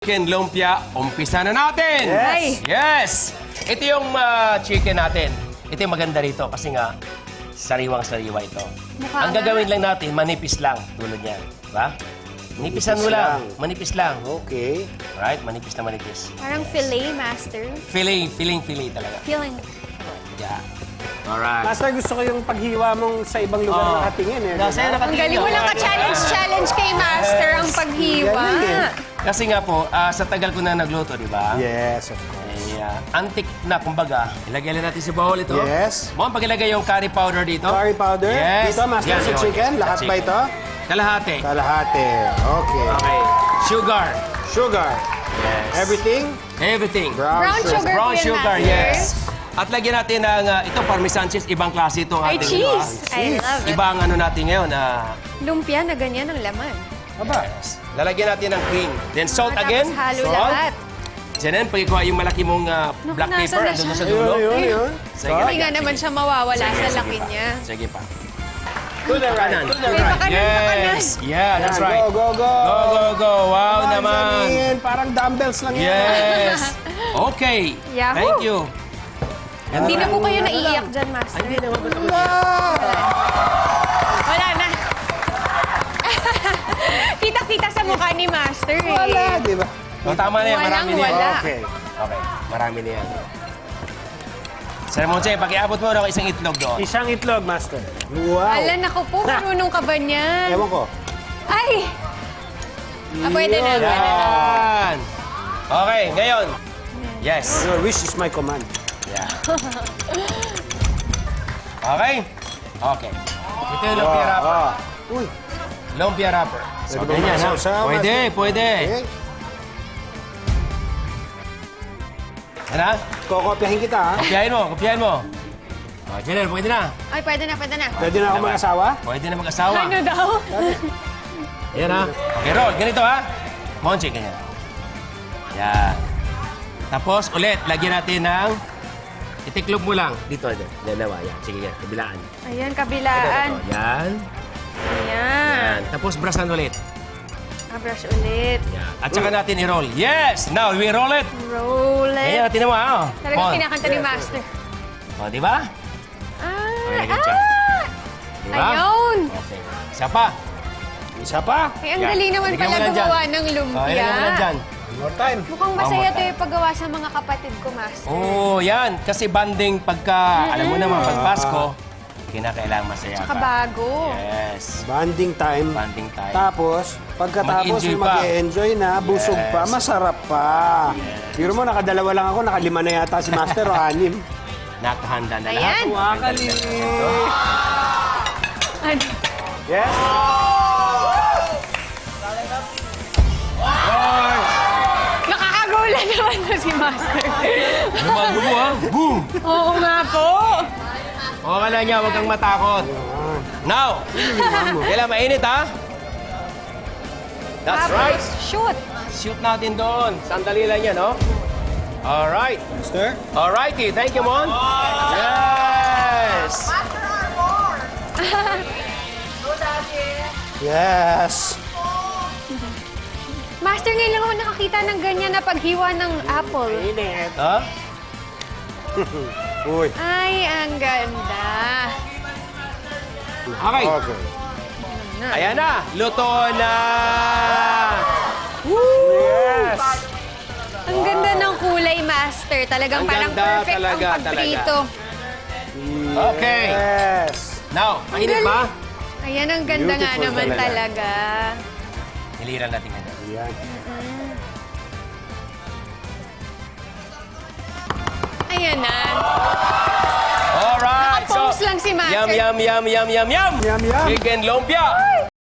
Chicken lumpia, umpisa na natin! Yes! Yes! Ito yung chicken natin. Ito yung maganda rito kasi nga, sariwang-sariwa ito. Mukha Ang nga. gagawin lang natin, manipis lang, tulad niyan. Diba? Manipisan mo lang. Manipis lang. Okay. Right? Manipis na manipis. Parang fillet, master. Fillet talaga. Feeling. Yeah. Alright. Master, gusto ko yung paghiwa mong sa ibang lugar nakatingin eh. Kasi diba? Ang galing mo lang ka-challenge kay master ang paghiwa. Galing eh. Kasi nga po, sa tagal ko na nagluto, di ba? Yes, of course. Antik na, kumbaga. Ilagay lang natin sa bowl ito. Yes. Mo, pag-ilagay yung curry powder dito. Curry powder? Yes. Dito, master, Yan, sa yun. chicken? Lahat Sa ba chicken. ito? Kalahati. Kalahati. Okay. Okay. Sugar. Sugar. Yes. Everything? Everything. Brown sugar. Brown po yan, sugar, master. yes. At lagyan natin ng, ito, parmesan cheese. Ibang klase itong Ay, ating, cheese. I love it. Ibang ano natin ngayon, Lumpia na ganyan ang laman. Aba. lalagyan natin ng cream. Then salt Tapos again. halo Salt. lahat. Then, pagkikuha yung malaki mong black nasa pepper, na andun siya? na sa dulo. Yun. Sige, Hindi lagyan. nga naman siya mawawala Sige, sa sige laki pa. niya. Sige pa. To the right. To the Wait, right. baka Yes. Yeah, that's Yan, right. Go, go, go. Go, go, go. Wow naman. Janine, parang dumbbells lang yan. Yes. Okay. Yahoo! Thank you. Hindi na po kayo naiiyak dyan, master. Hindi naman ba ito? Wala na. Kita-kita sa mukha ni master eh. Wala, di ba? Oh, tama na yan. Marami na yan. Walang-wala. Okay. Okay. Marami na yan. Sir Monche, pakiabot mo ako isang itlog doon. Isang itlog, master. Wow. Ala, naku po, marunong ka ba niyan? Ewan ko. Ay! Pwede na, pwede na. Yan. Okay, ngayon. Yes. Your wish is my command. Yeah. Okay? Okay. Ito yung lumpia wrapper. Uy. Lumpia wrapper. So, Pwede ba ganyan, ha? masasawa? Pwede, pwede. Okay. Ano? Kokopyahin kita, ha? Kopyahin mo, kopyahin mo. O, Jenner, pwede na. Ay, pwede na, pwede na. Pwede na ako mag-asawa? Pwede na mag-asawa. Ano daw? Ayan, ha? Okay, roll. Ganito, ha? Monche, ganyan. Yan. Tapos, ulit, lagyan natin ng... Itiklog mo lang. Dito, dalawa. Yan. Sige, yan. Kabilaan. Ayan, Ito, kabilaan. Yan. Ayan. Yan. Tapos, brasan ulit. Brush ulit. Yan. At saka natin i-roll. Yes! Now, we roll it. Roll Ayan, it. tinan mo, ha? Talagang Mon. kinakanta ni master. O, di ba? Ah! Ayan, dyan. Di ba? Ayun! Okay. Isa pa. Isa pa? Ay, ang Yan. galing naman Ilagay mo pala lang dyan. gumawa ng O, lumpia. ilagay mo lang dyan. One more time. Mukhang masaya Tama. to yung paggawa sa mga kapatid ko, master. Oo, yan. Kasi banding pagka, alam mo naman, pag Pasko, kinakailangan masaya Tsaka ka. bago. Yes. Banding time. Banding time. Tapos, pagkatapos Mag-enjoy yung pa. mag-enjoy na, busog Yes. pa, masarap pa. Biro mo, nakadalawa lang ako, nakalima na yata si Master o anim. Nakahanda na lahat. Ayan. Wakali! Ano? Yes? Nakakagulat naman to si master. Lumago mo, ha? Boom! Oo nga po. O, kala niya, huwag kang matakot. Now, kailan mainit, ha? That's Tapos, right. shoot. Shoot natin doon. Sandali lang yan, no? Alright. Master? Alrighty. Thank you, Mon. Yes! Yes! Master, ngayon lang ako nakakita ng ganyan na paghiwa ng apple. Ha? Uy. Ay, ang ganda. Okay. Okay. Ayan na. Luto na. Yes! Ang ganda ng kulay, master. Talagang Ang parang ganda perfect talaga, ang pagprito. Okay. Yes! Now, mainit ba? Ayan, ang ganda nga Beautiful naman talaga. talaga. Niliran natin ganyan. Yan. Ayan na. Alright. Naka-pose lang si Master. Yum, yum, yum, yum, yum, yum. Yum, yum. Chicken lumpia.